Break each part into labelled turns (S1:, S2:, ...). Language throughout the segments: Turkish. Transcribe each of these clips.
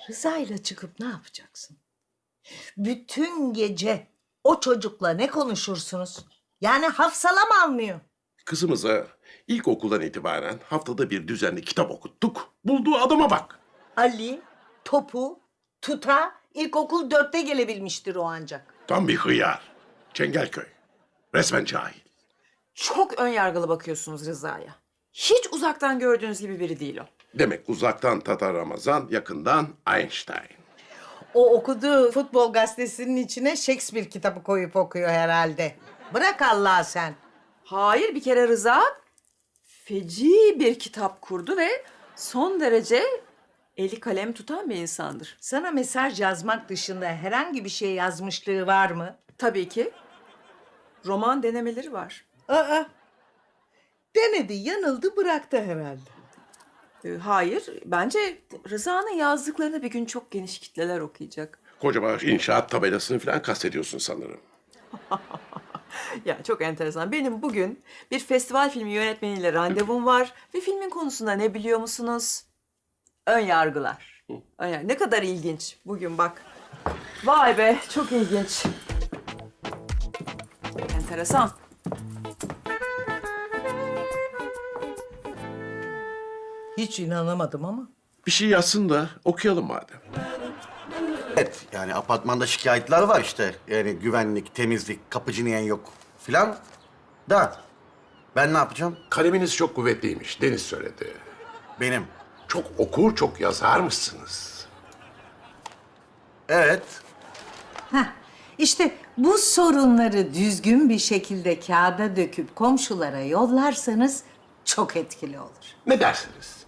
S1: Rıza ile çıkıp ne yapacaksın? Bütün gece o çocukla ne konuşursunuz? Yani hafsalam almıyor.
S2: Kızımıza ilkokuldan itibaren haftada bir düzenli kitap okuttuk. Bulduğu adama bak.
S1: Ali, topu, tuta, ilkokul 4'te gelebilmiştir o ancak.
S2: Tam bir hıyar. Çengelköy. Resmen cahil.
S3: Çok ön yargılı bakıyorsunuz Rıza'ya. Hiç uzaktan gördüğünüz gibi biri değil o.
S2: Demek uzaktan Tatar Ramazan, yakından Einstein.
S1: O okuduğu futbol gazetesinin içine Shakespeare kitabı koyup okuyor herhalde. Bırak Allah'a sen.
S3: Hayır, bir kere Rıza feci bir kitap kurdu ve son derece eli kalem tutan bir insandır.
S1: Sana mesaj yazmak dışında herhangi bir şey yazmışlığı var mı?
S3: Tabii ki roman denemeleri var.
S1: Aa, denedi, yanıldı, bıraktı herhalde.
S3: Hayır, bence Rıza'nın yazdıklarını bir gün çok geniş kitleler okuyacak.
S2: Kocaman inşaat tabelasını falan kastediyorsun sanırım.
S3: Ya çok enteresan. Benim bugün bir festival filmi yönetmeniyle randevum var ve filmin konusunda ne biliyor musunuz? Ön yargılar. Ne kadar ilginç bugün bak. Vay be, çok ilginç. Enteresan.
S1: Hiç inanamadım ama.
S2: Bir şey yazsın da okuyalım madem.
S4: Evet, yani apartmanda şikayetler var işte. Yani güvenlik, temizlik, kapıcı niyen yok filan. Da ben ne yapacağım?
S2: Kaleminiz çok kuvvetliymiş, Deniz söyledi.
S4: Benim.
S2: Çok okur, çok yazar mısınız?
S4: Evet.
S1: İşte bu sorunları düzgün bir şekilde kağıda döküp komşulara yollarsanız çok etkili olur.
S2: Ne dersiniz?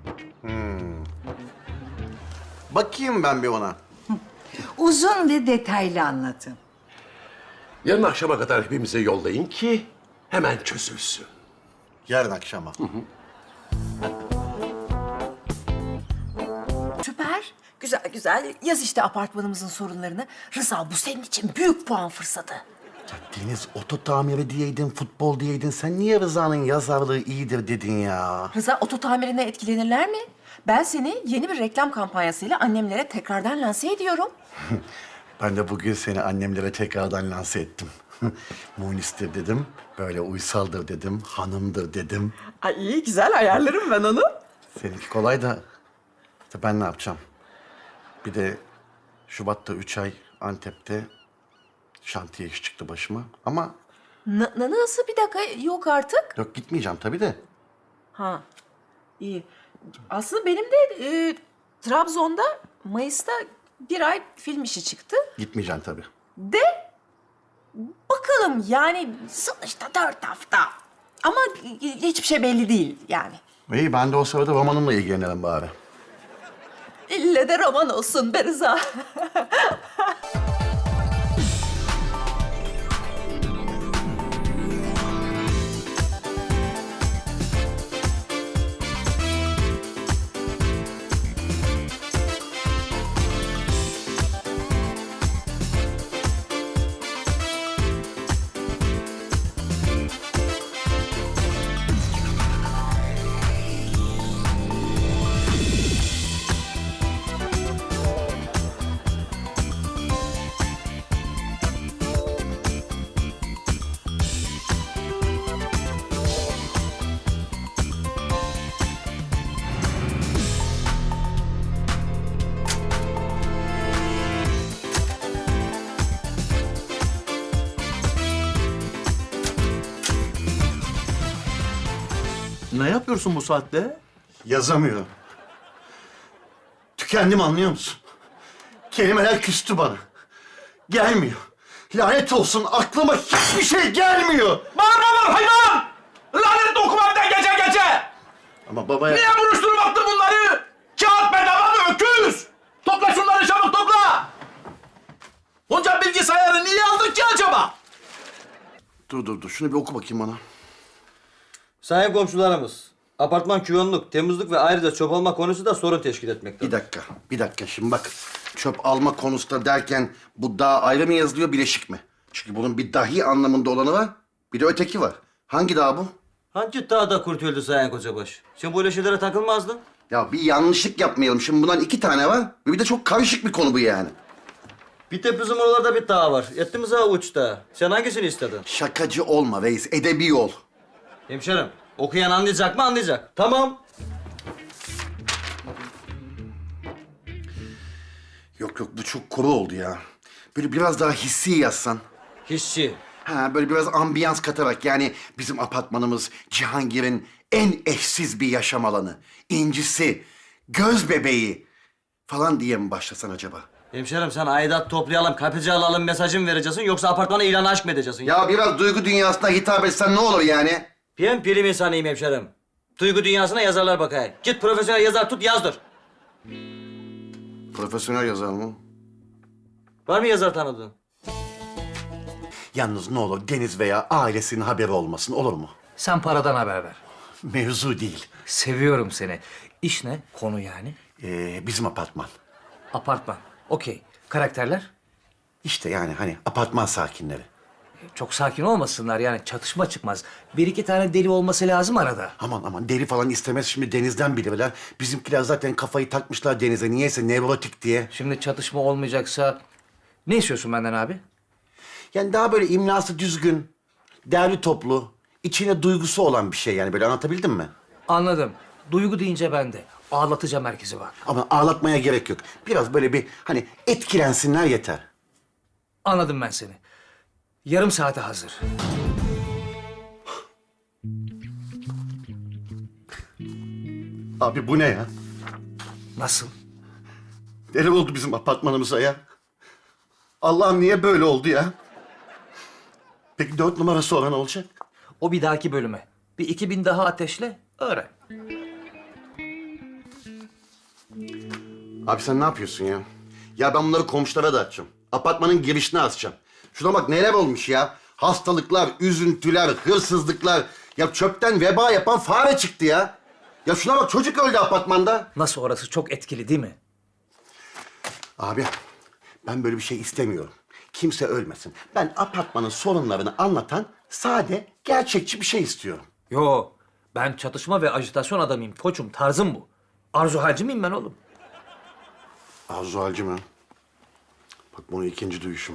S4: Bakayım ben bir ona.
S1: Uzun ve detaylı anlatın.
S2: Yarın akşama kadar hepimize yollayın ki hemen çözülsün.
S4: Yarın akşama.
S3: Süper. Güzel güzel. Yaz işte apartmanımızın sorunlarını. Rıza, bu senin için büyük puan fırsatı.
S4: Ya Deniz, oto tamiri diyeydin, futbol diyeydin. Sen niye Rıza'nın yazarlığı iyidir dedin ya?
S3: Rıza, oto tamirine etkilenirler mi? Ben seni yeni bir reklam kampanyasıyla annemlere tekrardan lanse ediyorum.
S4: Ben de bugün seni annemlere tekrardan lanse ettim. Munistir dedim, böyle uysaldır dedim, hanımdır dedim.
S3: Ay iyi, güzel ayarlarım ben onu.
S4: Seninki kolay da işte ben ne yapacağım? Bir de Şubat'ta 3 ay Antep'te şantiye iş çıktı başıma. Ama
S3: Nasıl, bir dakika, yok artık.
S4: yok, gitmeyeceğim tabii de.
S3: Ha, iyi. Aslında benim de Trabzon'da Mayıs'ta bir ay film işi çıktı.
S4: Gitmeyeceğim tabii.
S3: De bakalım, yani sonuçta 4 hafta. Ama hiçbir şey belli değil yani.
S4: İyi, ben de o sırada romanımla ilgilenirim bari.
S3: İlle de roman olsun be Rıza.
S5: Ne yapıyorsun bu saatte?
S4: Yazamıyorum. Tükendim, anlıyor musun? Kelimeler küstü bana. Gelmiyor. Lanet olsun, aklıma hiçbir şey gelmiyor.
S5: Bağırma hayvan! Lanetli okumam ben gece!
S4: Ama babaya...
S5: Niye buruşturup attın bunları? Kağıt bedava mı öküz? Topla şunları çabuk topla! Onca bilgisayarı niye aldın ki acaba?
S4: Dur. Şunu bir oku bakayım bana.
S6: Sayın komşularımız, apartman küvenlik, temizlik ve ayrıca çöp alma konusu da sorun teşkil etmektedir.
S4: Bir dakika. Şimdi bak, çöp alma konusunda derken bu dağ ayrı mı yazılıyor, bileşik mi? Çünkü bunun bir dahi anlamında olanı var, bir de öteki var. Hangi dağ bu?
S6: Hangi dağda kurtuldu Sayın Kocabaş? Sen böyle şeylere takılmazdın.
S4: Ya bir yanlışlık yapmayalım. Şimdi bundan 2 tane var. Bir de çok karışık bir konu bu yani.
S6: Bir de bizim oralarda bir dağ var. Ettimiz ha uçta. Sen hangisini istedin?
S4: Şakacı olma reis. Edebi ol.
S6: Hemşerim, okuyan anlayacak mı anlayacak. Tamam.
S4: Yok bu çok kuru oldu ya. Böyle biraz daha hissi yazsan.
S6: Hissi.
S4: Ha böyle biraz ambiyans katarak yani bizim apartmanımız Cihangir'in en eşsiz bir yaşam alanı. İncisi, göz bebeği falan diye mi başlasan acaba?
S6: Hemşerim sen aidat toplayalım, kapıcı alalım mesajı mı vereceksin yoksa apartmana ilan aşk mı edeceksin?
S4: Ya biraz duygu dünyasına hitap etsen ne olur yani?
S6: Ben prim insanıyım hemşerim. Duygu dünyasına yazarlar bakayım. Git profesyonel yazar tut yazdır.
S4: Profesyonel yazar mı?
S6: Var mı yazar tanıdığın?
S4: Yalnız ne olur Deniz veya ailesinin haberi olmasın olur mu?
S7: Sen paradan haber ver.
S4: Mevzu değil.
S7: Seviyorum seni. İş ne? Konu yani.
S4: Bizim apartman.
S7: Apartman. Okey. Karakterler?
S4: İşte yani hani apartman sakinleri.
S7: Çok sakin olmasınlar yani çatışma çıkmaz. Bir iki tane deli olması lazım arada.
S4: Aman deri falan istemez şimdi Deniz'den bilirler. Bizimkiler zaten kafayı takmışlar Deniz'e niyeyse nevrotik diye.
S7: Şimdi çatışma olmayacaksa ne istiyorsun benden abi?
S4: Yani daha böyle imlası düzgün, derli toplu, içine duygusu olan bir şey yani böyle anlatabildim mi?
S7: Anladım. Duygu deyince ben de. Ağlatacağım herkesi bak.
S4: Ama ağlatmaya gerek yok. Biraz böyle bir hani etkilensinler yeter.
S7: Anladım ben seni. Yarım saate hazır.
S4: Abi bu ne ya?
S7: Nasıl?
S4: Deli oldu bizim apartmanımıza ya. Allah'ım niye böyle oldu ya? Peki 4 numara sonra ne olacak?
S7: O bir dahaki bölüme. Bir 2000 daha ateşle, öğren.
S4: Abi sen ne yapıyorsun ya? Ya ben bunları komşulara da atacağım. Apartmanın girişine asacağım. Şuna bak neler olmuş ya. Hastalıklar, üzüntüler, hırsızlıklar. Ya çöpten veba yapan fare çıktı ya. Ya şuna bak çocuk öldü apartmanda.
S7: Nasıl orası çok etkili değil mi?
S4: Abi ben böyle bir şey istemiyorum. Kimse ölmesin. Ben apartmanın sorunlarını anlatan sade, gerçekçi bir şey istiyorum.
S7: Yo, ben çatışma ve ajitasyon adamıyım koçum. Tarzım bu. Arzu halci miyim ben oğlum?
S4: Arzu Halci mi? Bak bunu ikinci duyuşum.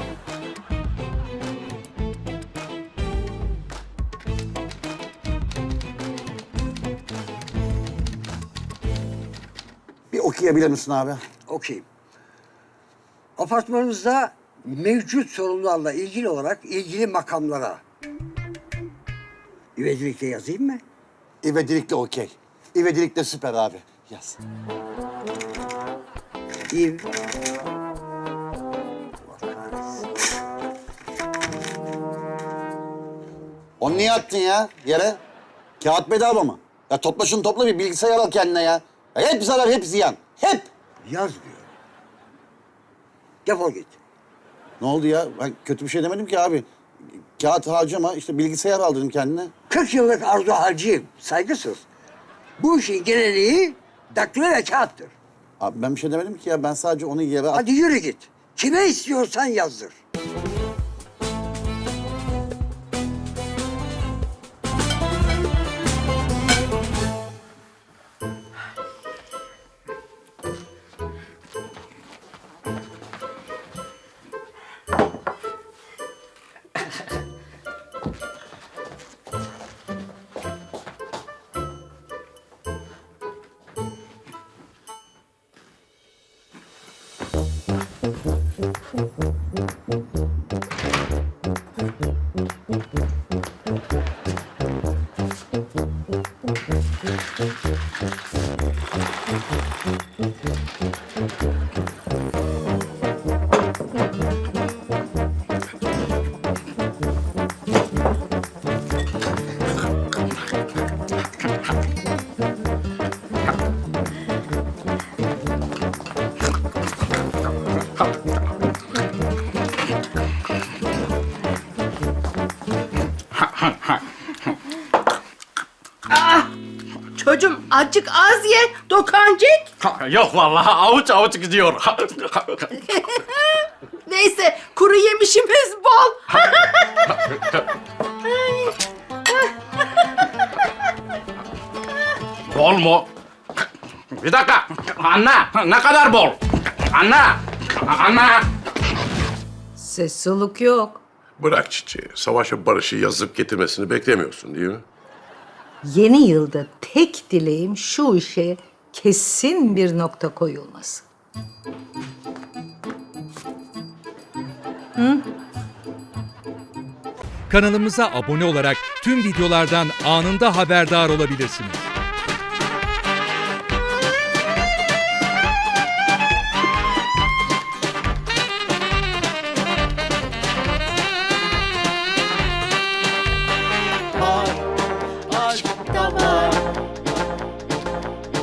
S4: Bir okuyabilir misin abi?
S8: Okuyayım. Apartmanımızda mevcut sorunlarla ilgili olarak ilgili makamlara üvedilikle yazayım mı?
S4: İvedilikle okey. İvedilikle süper abi. Yaz.
S8: İv.
S4: Onu niye attın ya yere? Kağıt bedava mı? Ya topla şunu topla bir bilgisayar al kendine ya. Ya hep zarar hep ziyan. Hep.
S8: Yaz diyor. Defol git.
S4: Ne oldu ya? Ben kötü bir şey demedim ki abi. Kağıt harcama işte bilgisayar al dedim kendine.
S8: 40 yıllık arzu harcıyım. Saygısız. Bu işin geleneği daktilo ve kağıttır.
S4: Abi ben bir şey demedim ki ya. Ben sadece onu yere at.
S8: Hadi yürü git. Kime istiyorsan yazdır.
S9: Çocuğum azıcık az ye, dokancık.
S5: Yok vallahi avuç avuç gidiyor.
S9: Neyse, kuru yemişimiz bol.
S5: Bol mu? Bir dakika. Anne, ne kadar bol? Anne.
S1: Ses soluk yok.
S2: Bırak çiçeği. Savaşa barışı yazıp getirmesini beklemiyorsun değil mi?
S1: Yeni yılda tek dileğim şu işe kesin bir nokta koyulması.
S10: Kanalımıza abone olarak tüm videolardan anında haberdar olabilirsiniz.